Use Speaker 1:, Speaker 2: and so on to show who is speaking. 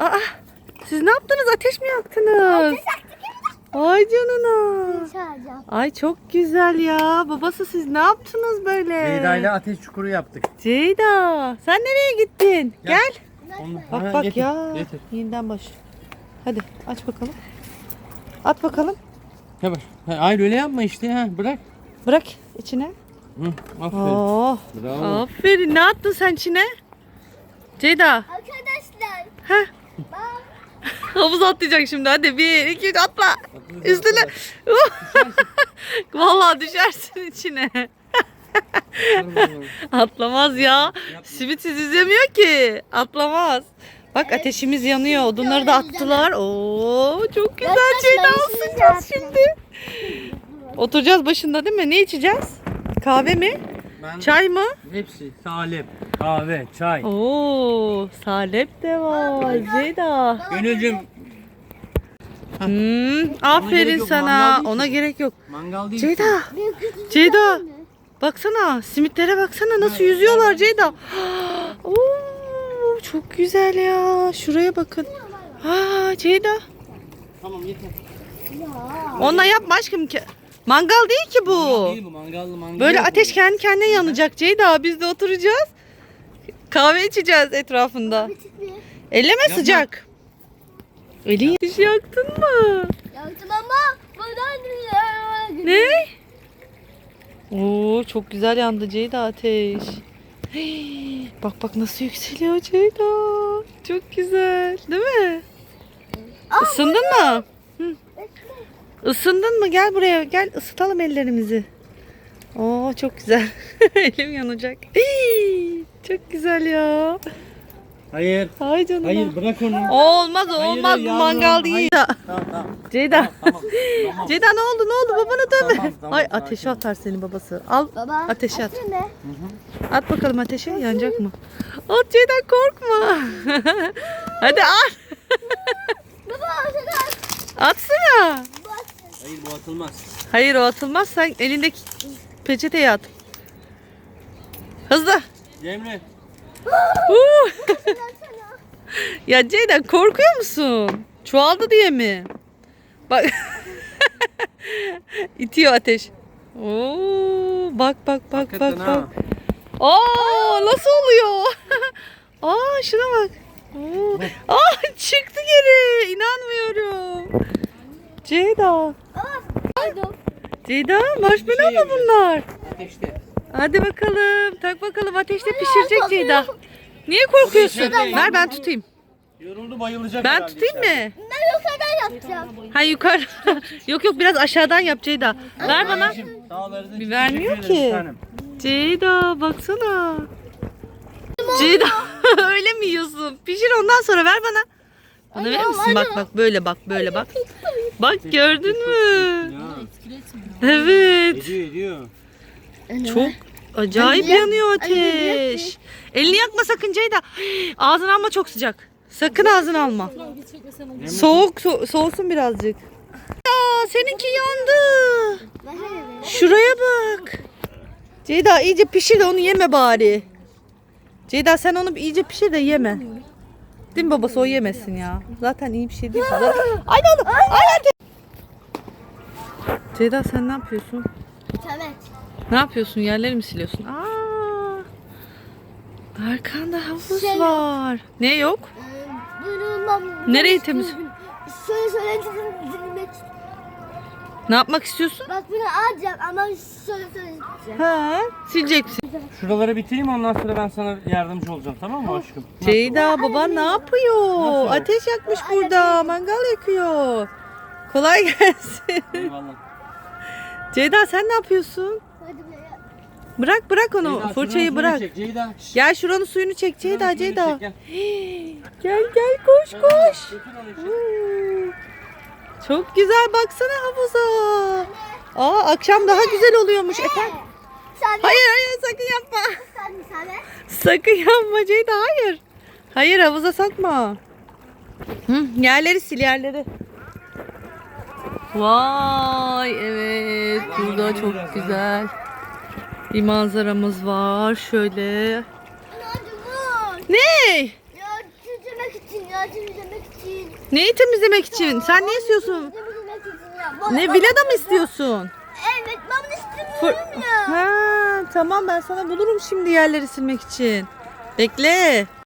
Speaker 1: Aa, siz ne yaptınız? Ateş mi yaktınız? Ay canına. Ay çok güzel ya. Babası siz ne yaptınız böyle?
Speaker 2: Ceyda ile ateş çukuru yaptık.
Speaker 1: Ceyda sen nereye gittin? Gel. Bak bak
Speaker 2: getir,
Speaker 1: ya.
Speaker 2: getir.
Speaker 1: Yeniden baş. Hadi aç bakalım. At bakalım.
Speaker 2: He bak. Hayır öyle yapma işte ha. Bırak.
Speaker 1: Bırak içine.
Speaker 2: Hı, aferin.
Speaker 1: Oh.
Speaker 2: Bravo.
Speaker 1: Aferin. Ne attın sen içine? Ceyda.
Speaker 3: Arkadaşlar.
Speaker 1: Heh. Havuz atlayacak şimdi. Hadi 1, 2, 3 atla. Üstüne. Vallahi düşersin içine. Atlamaz ya. Simitsiz yüzemiyor ki. Atlamaz. Bak ateşimiz yanıyor. Odunları da attılar. Oo çok güzel. Ceyda ısınacağız şimdi. Oturacağız başında değil mi? Ne içeceğiz? Kahve mi? Çay mı?
Speaker 2: Hepsi salep, kahve, çay.
Speaker 1: Oo, salep de var Ceyda.
Speaker 2: Gönülcüm.
Speaker 1: Aferin
Speaker 2: yok,
Speaker 1: sana.
Speaker 2: mangal değil
Speaker 1: Ona
Speaker 2: ki.
Speaker 1: gerek yok.
Speaker 2: Mangal değil.
Speaker 1: Ceyda. Ceyda. Baksana simitlere baksana nasıl yüzüyorlar Ceyda. Oo, çok güzel ya. Şuraya bakın. Aa, Ceyda.
Speaker 2: Tamam yeter.
Speaker 1: Onunla yapma aşkım ki. Mangal değil ki bu.
Speaker 2: Mangal değil bu, mangal.
Speaker 1: Böyle
Speaker 2: yok
Speaker 1: ateş
Speaker 2: bu.
Speaker 1: kendi kendine yanacak Ceyda. Biz de oturacağız. Kahve içeceğiz etrafında. Elleme sıcak. Elin hiç yaktın mı?
Speaker 3: Yaktım ama buradan
Speaker 1: Ne? Oo çok güzel yandı Ceyda ateş. Hey, bak bak nasıl yükseliyor Ceyda. Çok güzel, değil mi? Isındın mı? Hı. Isındın mı? Gel buraya. Gel ısıtalım ellerimizi. Oo çok güzel. Elim yanacak. Hey, çok güzel ya.
Speaker 2: Hayır.
Speaker 1: Ay canına.
Speaker 2: Hayır bırak onu.
Speaker 1: Olmaz
Speaker 2: Hayır,
Speaker 1: olmaz bu
Speaker 2: yavrum,
Speaker 1: mangal değil.
Speaker 2: Tamam.
Speaker 1: Ceyda.
Speaker 2: Tamam.
Speaker 1: Ceyda ne oldu babana dönme.
Speaker 2: Tamam,
Speaker 1: Ay
Speaker 2: sakin
Speaker 1: ateşe
Speaker 2: ol.
Speaker 1: atar seni babası. Al
Speaker 3: Baba.
Speaker 1: ateşe at.
Speaker 3: Ne?
Speaker 1: At bakalım ateşe yanacak mı? At Ceyda korkma. Hadi at.
Speaker 3: Baba ortadan.
Speaker 1: Atsana.
Speaker 2: Hayır bu atılmaz.
Speaker 1: Hayır o atılmaz sen elindeki peçeteye at. Hızlı.
Speaker 2: Cemre.
Speaker 1: Ya Ceyda korkuyor musun? Çoğaldı diye mi? Bak. İtiyor ateş. Oo, bak.
Speaker 2: Hakikaten ha.
Speaker 1: Aa, nasıl oluyor? Aa, şuna bak. Oo. Aa, çıktı geri. İnanmıyorum. Ceyda. Ceyda, marshmallow mu bunlar?
Speaker 2: Ateşte.
Speaker 1: Hadi bakalım. Tak bakalım ateşte pişirecek Ceyda. Niye korkuyorsun? Ver ben tutayım.
Speaker 2: Yoruldu bayılacak
Speaker 1: Ben
Speaker 2: herhalde
Speaker 1: tutayım
Speaker 2: içeride.
Speaker 1: mı?
Speaker 3: Ben yukarıdan yapacağım.
Speaker 1: Ha yukarı. Yok biraz aşağıdan yap Ceyda. Ver bana.
Speaker 2: Anneciğim, sağlarınız için
Speaker 1: Vermiyor
Speaker 2: teşekkür ederim
Speaker 1: ki.
Speaker 2: bir tanem.
Speaker 1: Ceyda baksana. Ceyda öyle mi yiyorsun? Pişir ondan sonra ver bana. Bana verir misin? Bak böyle bak. Bak gördün mü?
Speaker 2: Ya.
Speaker 1: Evet.
Speaker 2: Ediyor.
Speaker 1: Çok acayip yanıyor ateş. Elini yakma sakın Ceyda. Ağzını alma çok sıcak. Sakın ağzını alma. Soğusun birazcık. Ya seninki yandı. Şuraya bak. Ceyda iyice pişir de onu yeme bari. Ceyda sen onu iyice pişir de yeme. Değil mi babası o yemesin ya. Zaten iyi bir şey değil. Ay ne oldu? Ay. Ceyda sen ne yapıyorsun?
Speaker 3: Evet.
Speaker 1: Ne yapıyorsun? Yerleri mi siliyorsun? Aa! Arkanda havuz
Speaker 3: Şey-
Speaker 1: var. Ne yok?
Speaker 3: Buyurun.
Speaker 1: Nereyi temiz?
Speaker 3: Söyle dinlemek.
Speaker 1: Ne yapmak istiyorsun?
Speaker 3: Bak bunu alacağım ama söyleyeceğim.
Speaker 1: Ha, silecek misin?
Speaker 2: Şuraları bitireyim ondan sonra ben sana yardımcı olacağım tamam mı aşkım?
Speaker 1: Ceyda baban ne yapıyor?
Speaker 2: Nasıl?
Speaker 1: Ateş yakmış burada. Mangal yakıyor. Kolay gelsin.
Speaker 2: Eyvallah.
Speaker 1: Ceyda sen ne yapıyorsun?
Speaker 3: Hadi buraya.
Speaker 1: Bırak onu.
Speaker 2: Ceyda,
Speaker 1: Fırçayı
Speaker 2: şuranın
Speaker 1: bırak.
Speaker 2: suyunu çek, Ceyda. Şşş,
Speaker 1: Gel şuranın suyunu çek
Speaker 2: şuranın
Speaker 1: Ceyda.
Speaker 2: suyunu çek, gel.
Speaker 1: Gel koş.
Speaker 2: Götür onu içeri.
Speaker 1: Çok güzel baksana havuza. Aa akşam daha güzel oluyormuş efendim.
Speaker 3: Sen
Speaker 1: Hayır sakın yapma.
Speaker 3: sen.
Speaker 1: Sakın yapma Ceyda hayır. Hayır havuza sokma. Yerleri sil yerleri. Vay evet burada çok güzel bir manzaramız var şöyle.
Speaker 3: Hadi vur.
Speaker 1: Ne?
Speaker 3: Ya çözmek için ya temizlemek için.
Speaker 1: Neyi temizlemek için? Sen ne istiyorsun?
Speaker 3: Temizlemek için ya.
Speaker 1: Ne, villada mı istiyorsun?
Speaker 3: Evet ben istemiyorum ya.
Speaker 1: Ha, tamam, ben sana bulurum şimdi yerleri silmek için. Bekle.